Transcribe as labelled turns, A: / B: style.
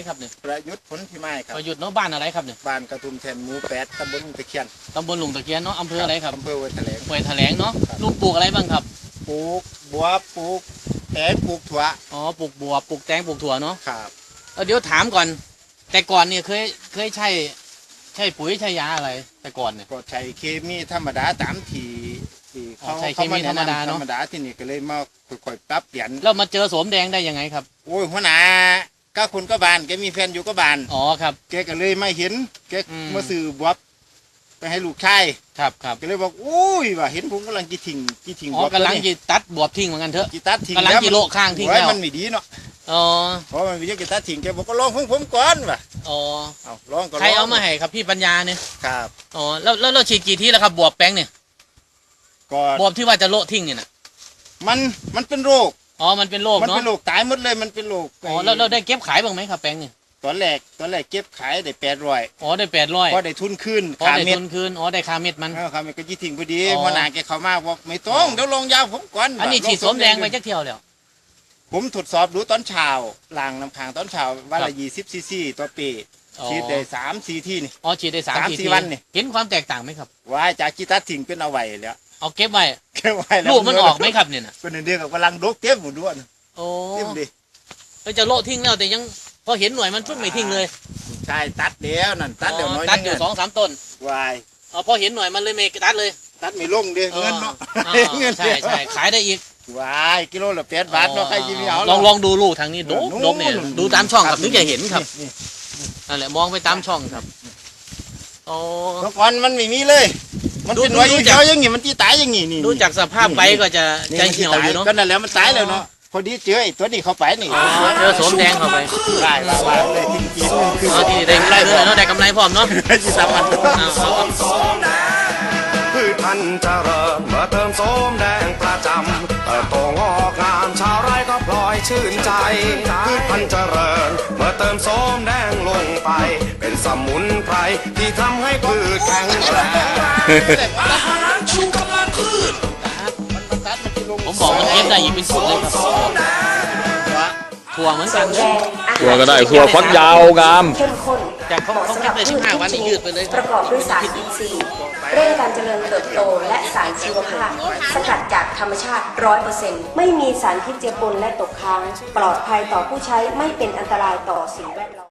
A: ครับเนี่ย
B: ประยุทธ์ผลพิมายครับ
A: ประยุทธ์เนาะบ้านอะไรครับเนี่ย
B: บ้านกระทุ่มแทนหมู่8ตำบลลุงตะเคียน
A: ตำบลหลวงตะเคียนเนาะอำเภออะไรครับ
B: อำเภอห้วยแถลง
A: ห้วยแถลงเนาะลุงปลูกอะไรบ้างครับ
B: ปลูกบัวปลูกแตงปลูกถั่ว
A: อ๋อปลูกบัวปลูกแตงปลูกถั่วเนาะ
B: ครับ
A: เดี๋ยวถามก่อนแต่ก่อนเนี่ยเคยใช่ปุ๋ยใช่ยาอะไรแต่ก่อนเนี่ย
B: ก็ใช้เคมีธรรมดาตามที่เขา
A: ใช้เคมีธรรมดาเนาะ
B: ธรรมดาที่นี่ก็เลยมาค่อยๆปรับเปลี่ยน
A: แล้วมาเจอโสมแดงได้ยังไงครับ
B: โอ้ยหัวหน้าก็คุณก็บานแกมีแฟนอยู่ก็บาน
A: อ๋อครับ
B: แกก็เลยไม่เห็นแกมาซื้อบวบไปให้ลูกชาย
A: ครับ
B: ก็เลยบอกอุ้ยว่าเห็นผมกำลังกีทิ้ง
A: อ๋อกำลังจีตัดบวบทิ้งเหมือนกันเถอะ
B: กีตัดทิ้ง
A: กำลังจีโลข้างทิ้งแล้ว
B: มันไม่ดีเนาะ
A: อ๋อ
B: เพราะมันมีเยอะกีตัดทิ้งแกบอกก็ลองผมก่อนว่ะ
A: อ๋อ
B: เอาลองก็
A: ใครเอามาให้ครับพี่ปัญญาเนี่ย
B: ครับ
A: อ๋อแล้วเราฉีดกี่ทีแล้วครับบวบแป้งเนี่ย
B: ก็
A: บวบที่ว่าจะโละทิ้งเนี่ยนะ
B: มันเป็นโรค
A: อ๋อมันเป็นโรคเนาะ
B: มันเป็นโรคตายหมดเลยมันเป็นโรค
A: อ๋อแล้วได้เก็บขายบ้างไหมครับแป้งเนี่ย
B: ตอนแรกเก็บขายได้800
A: อ๋อได้800
B: พอได้ทุนคืน
A: ค่าเม็ดทุนคืนอ๋อได้ค่าเม็ดมัน
B: ค่าเม็ดก็ยี่ทิ้งพอดีหัวหน้าแกเข้ามาบอกไม่ต้องเดี๋ยวลงยาผมก่อน
A: อันนี้ฉีดสมแดงไปจักเที่ยวแล้ว
B: ผมทดสอบดูตอนเช้าล้างน้ำค้างตอนเช้าวันละ20 ซีซีต่อปีฉีดได้3-4ที่นี่
A: อ๋อฉีดได้3-4
B: วันนี่
A: เห็นความแตกต่างไหมครับ
B: ว่าจากกีตัดทิ้งเป็นเอาไว้แล้ว
A: เอาเก็บไว้
B: แล้ว
A: ลูกมันออกไหมครับเนี่ยนะ
B: เป็นเดือนกับกำลังดกเต็มหมดด้วย
A: โอ้
B: เต็มดิ
A: จะโละทิ้งแล้วแต่ยังพอเห็นหน่วยมันปุ๊บไม่ทิ้งเลย
B: ใช่ตัดเดียวนั่นตัดเดี๋ยวน้อย
A: ตัดอยู่2-3 ต้น
B: วาย
A: พอเห็นหน่วยมันเลยไม่ตัดเลย
B: ตัดไม่ลงเดียวเงินเนาะ
A: เงินใช่ขายได้อีก
B: วายกิโลละ8 บาทเนาะใครจะมีเอา
A: ลองดูลูกทางนี้ดกเนี่ยดูตามช่องครับถึงจะเห็นครับนั่นแหละมองไปตามช่องครับโอ้
B: เมื่อก่อนมันไม่มีเลยมันเป็นหน่วยเดียวอย่างงี้มันตีตายอย่างงี้นี่
A: ดูจากสภาพใบก็จะเหี่ยวอยู่เนาะ
B: ก็นั่นแหละมันตายแล้วเนาะพอดีเจอไอ้ตัวนี้เข้าไปนี่
A: เจอโสมแดงเข้าไป
B: ได้ว่าเลยทิ้งกิน
A: คือที่ได้กำไรเลยเนาะได้กำไรพร้อมเนาะ
B: ที่สามัน
C: พืชพันธุ์เจริญเมื่อเติมโสมแดงประจำเติบโตงอกงามชาวไร่ก็พลอยชื่นใจพืชพันธุ์เจริญเมื่อเติมโสมแดงลงไปเป็นสมุนไพรที่ทำให้พืชแข็งแรงอาหารชูกำลังพืช
A: ผมบอกมันเก็บได้อีกเป็นสุดเลยครับถั่วเหมือนกัน
D: ถั่วก็ได้ถั่วฟักยาวงาม
E: เข้มข้น
A: จากเขาเก็บได้15 วันนี่ยืดไปเลย
E: ประกอบด้วยสารอินทรีย์เร่งการเจริญเติบโตและสารชีวภาพสกัดจากธรรมชาติ 100% ไม่มีสารพิษเจือปนและตกค้างปลอดภัยต่อผู้ใช้ไม่เป็นอันตรายต่อสิ่งแวดล้อม